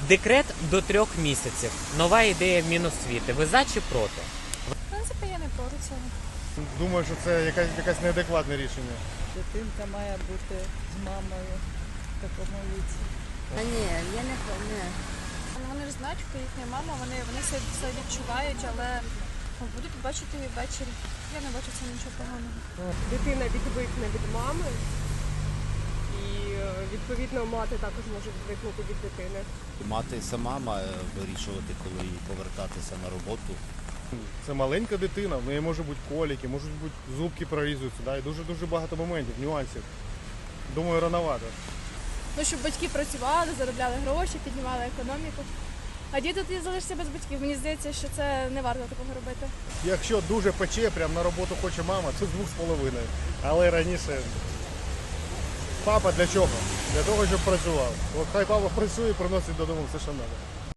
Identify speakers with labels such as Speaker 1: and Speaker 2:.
Speaker 1: Декрет до 3 місяців. Нова ідея Міносвіти. Ви за чи проти?
Speaker 2: В принципі, я не проти цього.
Speaker 3: Думаю, що це якесь неадекватне рішення.
Speaker 4: Дитинка має бути з мамою в такому віці.
Speaker 5: А ні, я не.
Speaker 2: Вони ж знають, хто їхня мама, вони все відчувають, але будуть бачити її ввечері. Я не бачу в цьому нічого поганого.
Speaker 6: Дитина відвикне від мами, і відповідно мати також може відвикнути від дитини.
Speaker 7: Мати сама має вирішувати, коли їй повертатися на роботу.
Speaker 3: Це маленька дитина, в неї можуть бути коліки, можуть бути зубки прорізуються, да, і дуже багато моментів, нюансів. Думаю, рановато.
Speaker 8: Ну, щоб батьки працювали, заробляли гроші, піднімали економіку. А діти тоді залишаться без батьків. Мені здається, що це не варто такого робити.
Speaker 3: Якщо дуже пече, прямо на роботу хоче мама, це з 2,5. Але раніше папа для чого? Для того, щоб працював. От хай папа працює і приносить додому все, що треба.